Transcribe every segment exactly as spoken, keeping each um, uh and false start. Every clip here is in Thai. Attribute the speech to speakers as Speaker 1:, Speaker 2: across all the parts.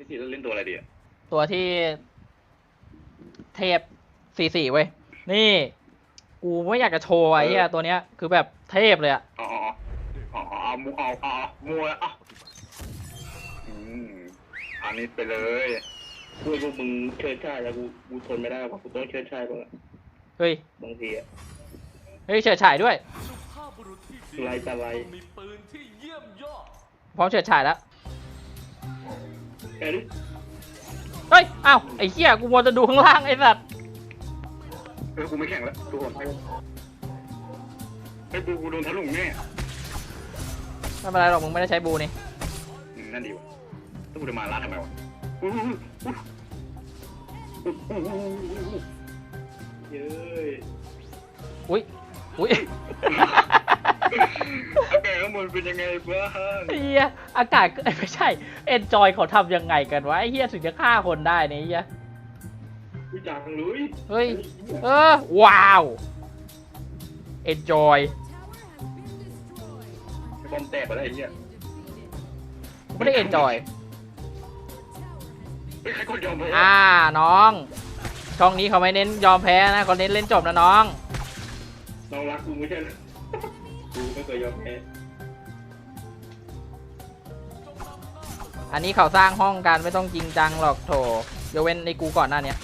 Speaker 1: พี่สีเล่นตัวอะไรดีอ่ะ
Speaker 2: ตัวที่เทพสี่สี่เว้ยนี่กูไม่อยากจะโชว์ไอ้เหี้ยตัวเนี้ยคือแบบเทพเลยอะ
Speaker 1: อ๋ออ๋ออ๋อเอามูเอาเอามัวอ่ะอืมอันนี้ไปเลยพูดพวกมึงเชิดชายแล้วกูกูทนไม่ได้เพราะกูต้องเชิดชายบ้างอะ
Speaker 2: เฮ้ย
Speaker 1: บางทีอ่ะ
Speaker 2: เฮ้ยเฉิดฉายด้วย
Speaker 1: ไล่ตะไล
Speaker 2: พร้อมเฉิดฉายแล้ว
Speaker 1: เอ้ย
Speaker 2: เฮ้ยอ้าวไอ้เหี้ยกูมัวจะดูข้างล่างไอ้สัตว์
Speaker 1: เออกูไม่แข่งแล้วทุกคนไอ้กูกูโดนทะลุแน่
Speaker 2: ไม่เป็นไรหรอกมึงไม่ได้ใช้บูนี่
Speaker 1: อืมนั่นดีวะถ้ากูจะมาลาดทำไมวะเย้ย
Speaker 2: อุ้ยอุ้ย
Speaker 1: อากาศข้างบนเป็นยังไงบ้าง
Speaker 2: ไอ้เหี้ยอากาศก็ไม่ใช่เอนจอยเขาทำยังไงกันวะไอ้เหี้ยถึงจะฆ่าคนได้เนี่ยไอ้เหี้ย
Speaker 1: วิจารณ์ลุย
Speaker 2: เฮ้ยเออว้าวเอนจอย
Speaker 1: บอมแตกไปแล้วไอ้เหี้ย
Speaker 2: ไม่ได้เอนจอย
Speaker 1: เฮ้ยใครกดยอมไป
Speaker 2: อ่าน้องช่องนี้เขาไม่เน้นยอมแพ้นะเขาเน้นเล่นจบนะน้อง
Speaker 1: น้องรักกูไม่ใช่เหรอกูไม่เคยยอมแพ้
Speaker 2: อันนี้เขาสร้างห้องกันไม่ต้องจริงจังหรอกโถยกเว้นในกูก่อนหน้าเนี้ย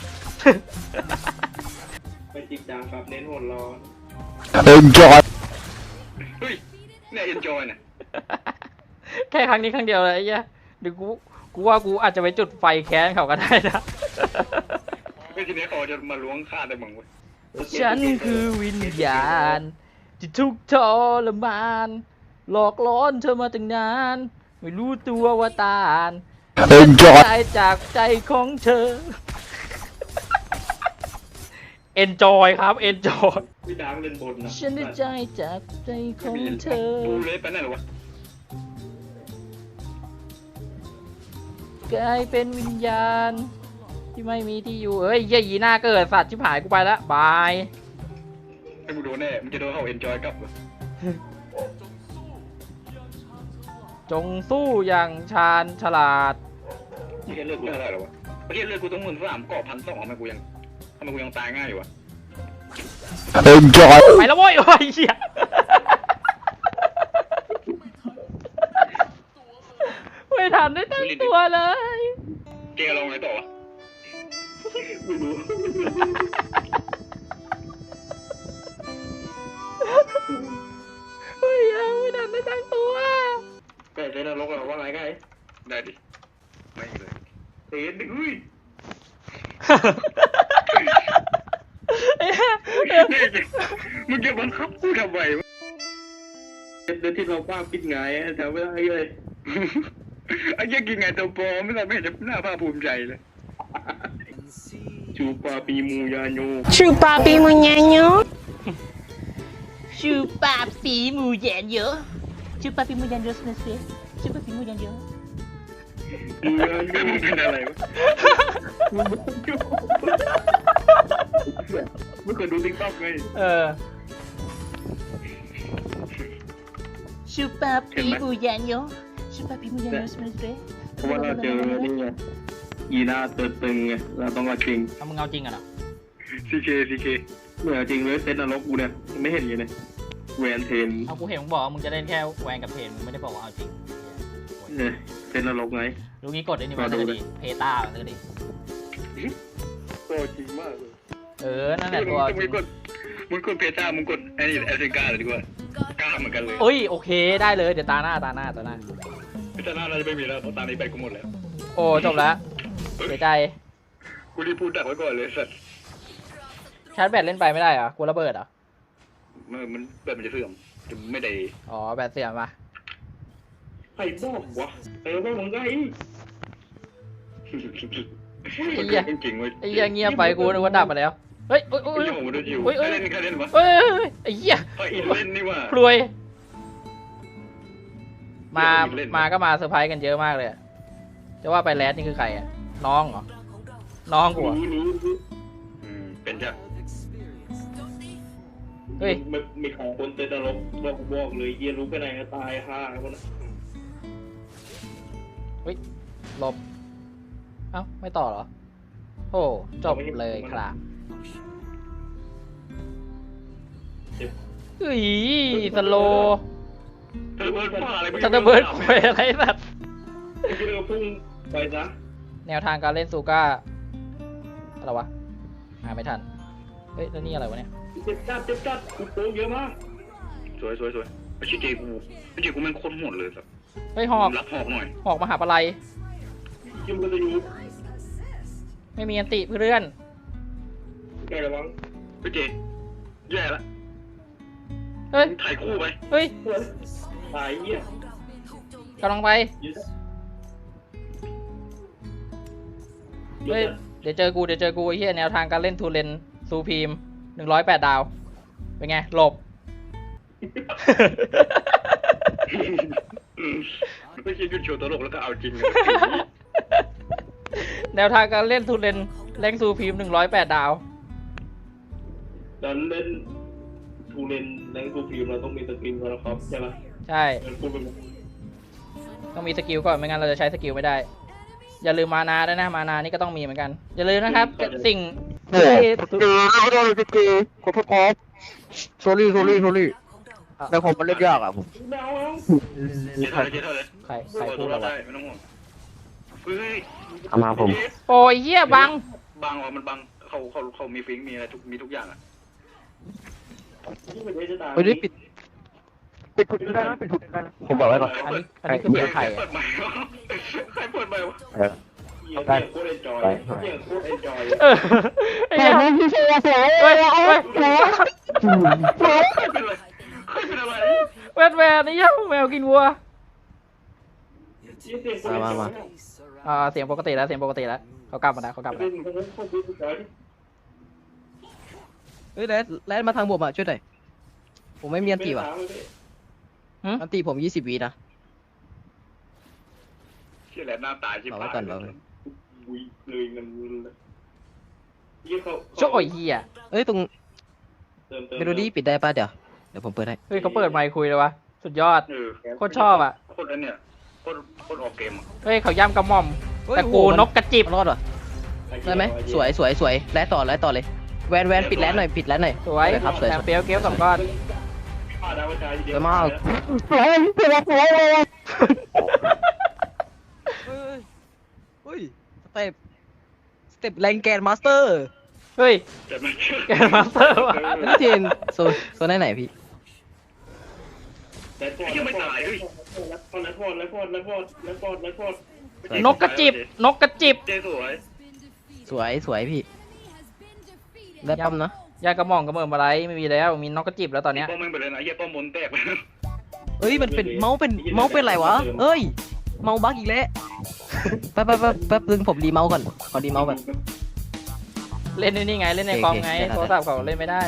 Speaker 1: ไปจริงจังครับเน้นหัวร้อน
Speaker 3: Enjoy
Speaker 1: เฮ้ยเนี่ยเอ็นจอยเนี่ย
Speaker 2: แค่ครั้งนี้ครั้งเดียวเลยไอ้เหี้ยเดี๋ยวกูกูว่ากูอาจจะไปจุดไฟแค้นเขาก็ได้นะ
Speaker 1: ไม่ทีนี้เขาจะมาล้วงฆ่าได้มั้งเว้ย
Speaker 2: ฉันคือวิญญาณที่ทุกข์ทรมานหลอกล้อนเธอมาตั้งนานไม่รู้ตัวว่าตาน
Speaker 3: Enjoy
Speaker 2: ตายจากใจของเธอ enjoy ครับ enjoy
Speaker 1: พี่ดาวเล่นบนนะ
Speaker 2: ฉันได้ใจจากใจของเธอ
Speaker 1: ดูเลยไปไหนหรอวะ
Speaker 2: กลายเป็นวิญญาณที่ไม่มีที่อยู่เอ้ยเหี้ยยีหน้าเกิดสัตว์ชิบหายกูไปแล้วบาย
Speaker 1: ให้กูโดนแน่มึงจะโดนเขาเอ็นจอยกลับเหรอ
Speaker 2: จงสู้อย่างชาญฉลาด
Speaker 1: ไม่ใช่เลือกกูเท่าไหร่หรอวะไม่ใช่เลือกกูต้องหมื่นสามเกาะพันสองทำไมกูยังทำไมกูยังตายง่ายอยู่วะ
Speaker 3: Enjoy
Speaker 2: ไปแล้วโว้ยโอ้ยเหี้ยไม่ทันได้ตั้งตัวเลย
Speaker 1: เกลองไงต่อวะไม่รู้
Speaker 2: เฮ้ยยังไม่ทันได้ตั้งตัว
Speaker 1: ไก่เล่นนรกเหรอว่าไงไก่ได้ดิไม่เลยเตะดิอุ้ยมึงจะบังคับกูทำไมวะเดี๋ยวที่เราป้าปิดไงแถวไม่ได้เลยไอ้ยังกินไงตัวปอไม่ได้ไม่เห็นจะหน้าภาคภูมิใจเลยชูปาปีมูยาโย
Speaker 4: Chupa pimuñaño.
Speaker 2: ชูปาปีมูแยนเยอะชูปาปีมูแยนเยอะนะเซ่ชูปาปีมูแยนเยอะ
Speaker 1: มูยาโยเป็นอะไรวะไม่เคยดูติ๊กต็อกไง
Speaker 2: เออชูปาปีมูแยนเยอะชูปาปีมูแยนเยอะนะเซ่
Speaker 1: เพราะว่าเราเจอนี่ไงอีน่าตัวตึงไงเราต้องมาคิง
Speaker 2: เอามึงเอาจริงอ่ะเหรอ
Speaker 1: ซีเคซีเคเหมือนจริงเลยเซตนรกกูเนี่ยไม่เห็นอย่างเลยแวนเทน
Speaker 2: เอากูเห็นมึงบอกว่ามึงจะเล่นแค่แวนกับเพนมึงไม่ได้บอกว่าเอาจริง
Speaker 1: เนี่ยเซตนรกไง
Speaker 2: ลูกนี้กดได้นี่มาเลยดิเพตาเลยดิ
Speaker 1: ตัวจริงมากเลย
Speaker 2: เออนั่นแหละตัว
Speaker 1: มึงกดมึงกดเพต้ามึงกดไอ้นี่แอฟริกาเลยดีกว่ากล้าเหมือนกันเลย
Speaker 2: เอ้ยโอเคได้เลยเดี๋ยวตาหน้าตาหน้าตาหน้า
Speaker 1: เพต้าหน้าเราจะไม่มีแล้วเพราะตอนนี้ไปกูหมดแล้ว
Speaker 2: โอ้จบแล้วเสียใจ
Speaker 1: กูรีบพูดดักไว้ก่อนเลยสัตว์
Speaker 2: ชาร์จแบตเล่นไปไม่ได้เหรอกูระเบิดเหรอ
Speaker 1: มันมันแบบมันจะเสื่อมจะไม่ได้
Speaker 2: อ๋อแบตเสียมา
Speaker 1: ใครบอกวะเออบอกมึงไง
Speaker 2: ไอ้เหี้ย
Speaker 1: จริงๆเว้ย
Speaker 2: ไอ้เหี้ยเงียบไปกูนึกว่าดับไปแล้วเฮ้ยโอ้ยโอ้
Speaker 1: ไอ้
Speaker 2: ย
Speaker 1: เหี้ยผมดูอยู่
Speaker 2: โอ้ย
Speaker 1: ใคร
Speaker 2: โอ้ย
Speaker 1: เล่นใครเล่นวะ
Speaker 2: เฮ้ยไอ้เหี้ย
Speaker 1: ไอ้อินเล่นนี่ว่ะ
Speaker 2: พลวยมา
Speaker 1: เล่น
Speaker 2: มาก็มาเซอร์ไพรส์กันเยอะมากเลยอะจะว่าไปแรดนี่คือใครอ่ะน้องเหรอน้องกู
Speaker 1: รู้
Speaker 2: อะ
Speaker 1: รู้รู้อืมเป็นจ้ะ
Speaker 2: เฮ้ย
Speaker 1: มีมีของคนเตะตลกบอกบอกเลยเยียรู้ไปไหนก็ตายห่าคนนั้น
Speaker 2: หลบเอ้าไม่ต่อเหรอโอ้จบเลยครับเฮ้ยสโล
Speaker 1: เธอเบิร์ดบ้าอะไร
Speaker 2: ทันเดอร์เบิร์ดคุยอะไรสัตว์
Speaker 1: พี่เรือพุ่งไปซะ
Speaker 2: แนวทางการเล่นซูก้าอะไรวะหาไม่ทันเฮ้ยแล้วนี่อะไรวะเนี่ย
Speaker 1: เจ็บจัดเจ็บจัดกูโป้เยอะมากสวยสวยสวยไอ้ชิเจกูไอ้เจกูแม่งโคตรโหดเลยแบบ
Speaker 2: เฮ้ยหอก
Speaker 1: รับหอกหน่อย
Speaker 2: หอกมหาปลัย
Speaker 1: คิมก็จะอยู่
Speaker 2: ไม่มีอันติเพื่อน
Speaker 1: แกระวังไอ้เจแย่ละ
Speaker 2: เฮ้ย
Speaker 1: ถ่ายคู่ไป
Speaker 2: เฮ้ย
Speaker 1: ถ่ายเงี้ย
Speaker 2: กำลังไปเฮ้ยเดี๋ยวเจอกูเดี๋ยวเจอกูไอ้เหี้ยแนวทางการเล่นทูเลนซูพีมหนึ่งร้อยแปดดาวเป็นไงหลบ
Speaker 1: ไม่ใช่หยุดโชว์ตลกแล้วก็เอาจริง
Speaker 2: แนวทางการเล่นทูเลนแรงซูพีมหนึ่งร้อยแปดดาว
Speaker 1: ดันเล่นทูเลนแรงทูฟิล์มเราต้องมีสกิลก่อนนะครับใช่ไหม
Speaker 2: ใช่
Speaker 1: พูดเป็น
Speaker 2: ต้องมีสกิลก่อนไม่งั้นเราจะใช้สกิลไม่ได้ อย่าลืมมานาด้วยนะมานานี่ก็ต้องมีเหมือนกันอย่าลืมนะครับสิ่ง
Speaker 3: โอ้โหเจอไม่ได้เลยเจอขอโทษครับโซลี่โซลี่โซลี่ในคอมมันเล่นยากอ่ะผม
Speaker 1: เดาเอา
Speaker 3: เล่น
Speaker 1: เท่าเลยเท่าเลย
Speaker 2: ใครใครพูดอะไร
Speaker 1: ได้
Speaker 2: วะ
Speaker 1: ไม่ต้องห่วงเฮ้ย
Speaker 3: เอามาผม
Speaker 2: โอ้ยเหี้ยบัง
Speaker 1: บางอ่ะมันบางเขาเขาเขามีฟิงมีอะไรทุกมีทุกอย่างอ่ะ
Speaker 3: เฮ้ยปิดปิดถุงได้นะปิดถุงได้นะผมบอกไว้ก่อน
Speaker 2: อันนี้อันนี้คือเสียงใคร
Speaker 1: เปิ
Speaker 2: อะ
Speaker 1: ดใหม่ใครเปิดใหม่วะ
Speaker 3: เออ
Speaker 1: ได้โคตรเอนจอยเยี่ยโคตรเอนจอย
Speaker 2: เออไอ้เหี้ยเฮ้ยเฮ้ย
Speaker 1: ใครเป็นอะไรใครเป็นอะไร
Speaker 2: แวดแวดนี่ยังแมวกินวัว
Speaker 3: มามามา
Speaker 2: อ่าเสียงปกติแล้วเสียงปกติแล้วเขากลับมาแล้วเขากลับมาแล้ว
Speaker 5: เฮ้ยแรดแรดมาทางผมอ่ะช่วยหน่อยผมไม่มีอันตีว่ะอันตีผมยี่สิบวินะ
Speaker 1: เชื่อแหละหน้าตาชิบ
Speaker 5: รอ
Speaker 1: หา
Speaker 5: ไว้
Speaker 1: ย
Speaker 5: ก่อนรอไว้
Speaker 1: วุ้ยเลยเงินยี่เขา
Speaker 2: โจ้ยเหี้ย
Speaker 5: เอ้ยตรง
Speaker 1: เติมเติม
Speaker 5: เมโลดี้ปิดได้ป่ะเดี๋ยวเดี๋ยวผมเปิดให้
Speaker 2: เฮ้ยเขาเปิดไมค์คุยเลยวะสุดยอด
Speaker 1: เออ
Speaker 2: โคตรชอบอ่ะ
Speaker 1: โคตรอันเนี่ยโคตรโคตรออกเกมอ่ะ
Speaker 2: เฮ้ยเขาย่ำกระหม่อม
Speaker 5: เฮ้ย
Speaker 2: แต่
Speaker 5: โอ้โห
Speaker 2: กู
Speaker 5: มัน
Speaker 2: นกกระจิบ
Speaker 5: รอดว่ะได้ไหมสวยสวยสวยแรดต่อแรดต่อเลยแวนแวนปิดแรดหน่อยปิดแรดหน่อย
Speaker 2: สวย
Speaker 5: ครับสวย
Speaker 2: แถ
Speaker 5: ส
Speaker 2: ม
Speaker 5: วย
Speaker 2: เปียวเกลสองก้อน
Speaker 1: มาดาวใจเดี
Speaker 5: สวยมากเฮ้ยเฮ้ยสเต็ปสเต็ปแรงแกนมาสเตอร์
Speaker 2: เฮ้ย
Speaker 1: แต่มัน
Speaker 2: แกนมาสเตอร์ว่ะ
Speaker 5: นี่เจนโซนโซนไหนไหนพี่
Speaker 1: แต่ตัวยังไม่ตายด้วยแล้วพอแล้วพอแล้วพอแล้วพอแล้วพอแล้วพอน
Speaker 2: กกระจิบนกกระจิบ
Speaker 1: เจ๊สวย
Speaker 5: สวยสวยพี่ได้ปั๊มนะ
Speaker 2: ยากระหม่อมกระเมิมอะไรไม่มีแล้วมีนกกระจิบแล้วตอนเนี้ย
Speaker 1: ป้อมแม่งไปเลยนะเยี่ยป้อมมนแตกไป
Speaker 5: เอ้ยมันเป็นเมาส์เป็นเมาส์เป็นไรวะเอ้ยเมาส์บั๊กอีกแล้วแป๊บแป๊บแป๊บแป๊บนึงผมรีเมาส์ก่อนขอรีเมาส์ก่อน
Speaker 2: เล่นในนี่ไงเล่นใน
Speaker 5: โอเค
Speaker 2: คอมไง
Speaker 5: โอเคได้
Speaker 2: โทรศัพท์เขาเล่นไม่ได้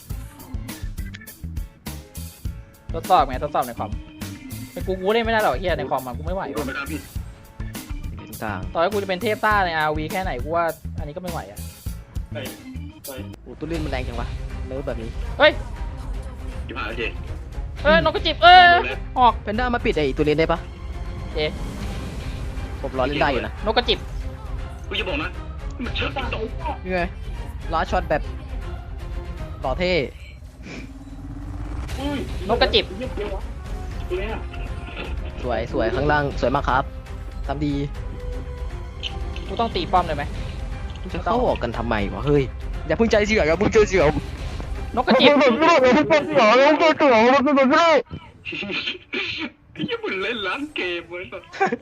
Speaker 2: ทดสอบไงทดสอบในคอมแต่กูกูเล่นไม่ได้หรอกเฮียในคอมมันกูไม่ไหว
Speaker 1: โดนไปครับพี่
Speaker 5: ตรงกลาง
Speaker 2: ต่อให้กูจะเป็นเทพต้าใน อาร์ วี แค่ไหนกูว่าอันนี้ก็ไม่ไหวอ่ะ
Speaker 1: ไปไป
Speaker 5: โอ้ตุ้เล่นมันแรงจังวะเนิร์ฟแบบนี้
Speaker 2: เฮ้ย
Speaker 1: ยี่ห้าเจ๊
Speaker 2: เอ้ยนกกระจิบเอ้ยออก
Speaker 5: แพนด้ามาปิดไอ้ตัวเล่นได้ปะ
Speaker 2: เอ๊ะ
Speaker 5: ผมรอเล่นได้อยู่นะ
Speaker 2: นกกระจิบ
Speaker 1: กูจะบอกนะมันชอบติ๊กต็อก
Speaker 5: ยังไงล้าช็อตแบบต่อเท่
Speaker 2: นกกระจิบ
Speaker 1: ตัวเนี้ย
Speaker 5: สวยสวยข้างล่างสวยมากครับทำดี
Speaker 2: กูต้องตีป้อมเลยไหม
Speaker 5: จะเข้าออกกันทำไมวะเฮ้ยอย่าเพิ่งใจเสียอย่าเพิ่งใจเสีย
Speaker 2: นกกระจิบ
Speaker 1: ยี่มันเล่นร้านเกมเลยแบบ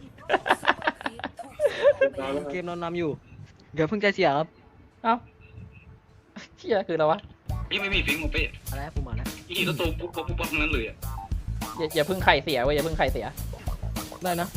Speaker 5: เกมนอนนำอยู่อย่าเพิ่งใจเสียครับ
Speaker 2: เอ้าเชี่ยคืออะไรวะ
Speaker 1: ยี่ไม่มีฟิงของเป๊ะ
Speaker 5: อะไรผมมาแล้ว
Speaker 1: ยี่ก็โตปุ๊บปุ๊บปุ๊บทั้งนั้นเลยอ่ะ
Speaker 2: อย่าอย่าเพิ่งไข่เสียเว้ยอย่าเพิ่งไข่เสีย
Speaker 5: ได้นะ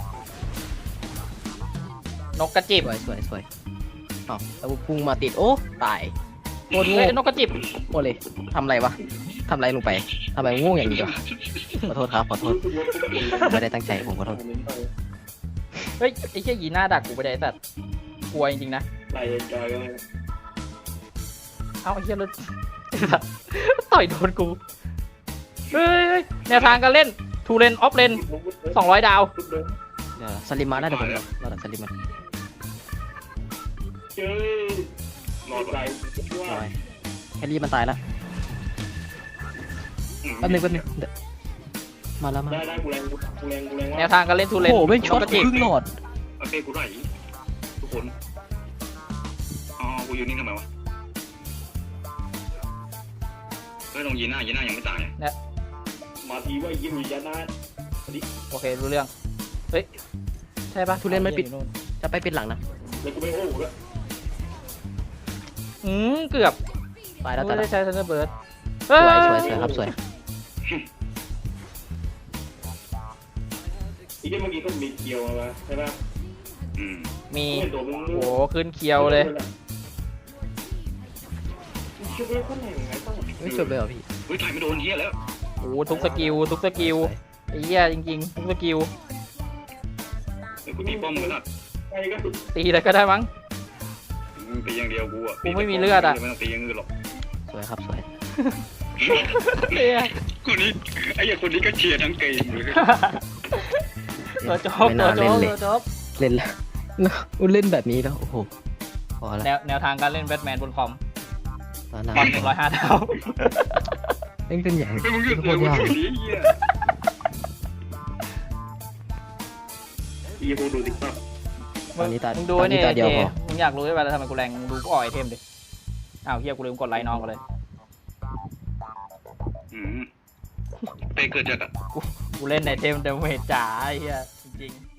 Speaker 2: นกกระจิบ
Speaker 5: สวยสวยสวยอ้าวแล้วพุ่งมาติดโอ้ตายโคตร
Speaker 2: เฮ้
Speaker 5: โง่
Speaker 2: ยนกกระจิบ
Speaker 5: โคตรเลยทำอะไรวะทำอะไรลงไปทำไมโง่อย่างนี้วะขอโทษครับขอโทษไม่ได้ตั้งใจผมขอโทษ
Speaker 2: เฮ้ยไอ้เชี่ยยีหน้าดักกูไปได้ไอ้สัตว์กลัวจริงๆนะ
Speaker 1: ไหลจอยเลย
Speaker 2: เอ้าไอ้เชี่ยรถ ต่อยโดนกูเฮ้ยเฮ้ยแนวทางการเล่นทูเลนออฟเลนสองร้อยดาว
Speaker 5: เดี๋ยวสลิมมาได้เดี๋ยวผมรอรอสลิมมา
Speaker 1: เจอรอดไหลว่า
Speaker 5: โอ้ยแครี่มันตายแล้วแป๊บนึงแป๊บนึงเดี๋ยวมาแล้วมา
Speaker 1: ได้ได้กูแรงกูแรงกูแรง
Speaker 2: แน
Speaker 1: ว่าว
Speaker 2: ทางการเล่นทูเล
Speaker 5: โอ้
Speaker 2: น
Speaker 5: โหเป็นช็อต
Speaker 2: กระ
Speaker 5: ค
Speaker 2: จิก
Speaker 5: รึ่งหลอด
Speaker 1: โอเคกูไหลทุกคนอ๋อกูอยู่นี่ทำไมวะเฮ้ยลงยีน่ายีน่ายังไม่ตายมาทีว่ายิงยีน่า
Speaker 2: โอเครู้เรื่องเฮ้ยใช่ปะ
Speaker 5: ทุเรียนมันปิด
Speaker 2: อยู่นู่น
Speaker 5: จะไปเป็นหลังนะ
Speaker 1: แล้วกูไม่โอ้โหด้วย
Speaker 2: อืมเกือบ
Speaker 5: ตายแล้ว
Speaker 2: ไม่
Speaker 5: ตายแล้
Speaker 2: ได้
Speaker 5: ว
Speaker 2: ใช้ทันเดอร์เบิร์ด
Speaker 5: สวยสวยสวยครับสวย
Speaker 1: อีกเมื่อกี้ก็มีเกียวมาใช่ป่ะอืม
Speaker 2: มี
Speaker 1: ไม่ตัวมึง
Speaker 2: โอ้โหขึ้นเคียวเลย
Speaker 1: ช่วยคนไหนไงต้อง
Speaker 5: ไม่จบเลยเหรอพี่
Speaker 1: เฮ้ยถ่ายไม่โดนเฮียแล้ว
Speaker 2: โอ้โหทุกสกิลทุกสกิลไอ้เหี้ยจริงๆทุกสกิล
Speaker 1: เดี๋ยวกูตีป้อมมึงละไปก็
Speaker 2: ตีอะไรก็ได้มั้ง
Speaker 1: ตีอย่างเดียวกูอ่ะ
Speaker 2: กูไม่มีเลือดอะ
Speaker 1: ไม่ต้องตีอย่างอื่นหรอก
Speaker 5: สวยครับสวย
Speaker 2: เหี้ย
Speaker 1: คนนี้ไอ้อย่างคนนี้ก็เชียร์ทั้งเกมเลย
Speaker 2: ตัวจบ
Speaker 5: ไม่
Speaker 2: ตัว
Speaker 5: น่า
Speaker 2: จ
Speaker 5: เล่น
Speaker 2: บ
Speaker 5: เลย
Speaker 2: ตัวจบ
Speaker 5: เล่นแล้วอุ้เล่นแบบนี้แล้วโอ้โหพอ
Speaker 2: แน
Speaker 5: แล้ว
Speaker 2: วแนวทางการเล่นแบทแมนบนคอม
Speaker 5: มาหนา
Speaker 2: ความร้อยห้าเท่า
Speaker 5: เล่นเป็นอย่าง
Speaker 1: ไม่มึงก็
Speaker 5: โค
Speaker 1: เสือ
Speaker 5: ตร
Speaker 1: กู
Speaker 5: ยาก
Speaker 1: ถือนี้เฮียอีโบดูติ๊กต็อก
Speaker 5: ตอนนี้ตา
Speaker 2: มึงดู
Speaker 5: ตอนนี้
Speaker 2: นี่
Speaker 5: ตาเดียว
Speaker 2: เจ
Speaker 5: พอ
Speaker 2: มึงอยากรู้ใช่ไหมแล้วทำไมกูแรงมึงดูกูอ่อยไอเทมดิอ้าวเฮียกูลืมกดไลค์น้องกันเลย
Speaker 1: อืมเตะเกิดจากอะ
Speaker 2: กูเล่นไอเทมเดเมจจ๋าไอ้เฮียจริงๆ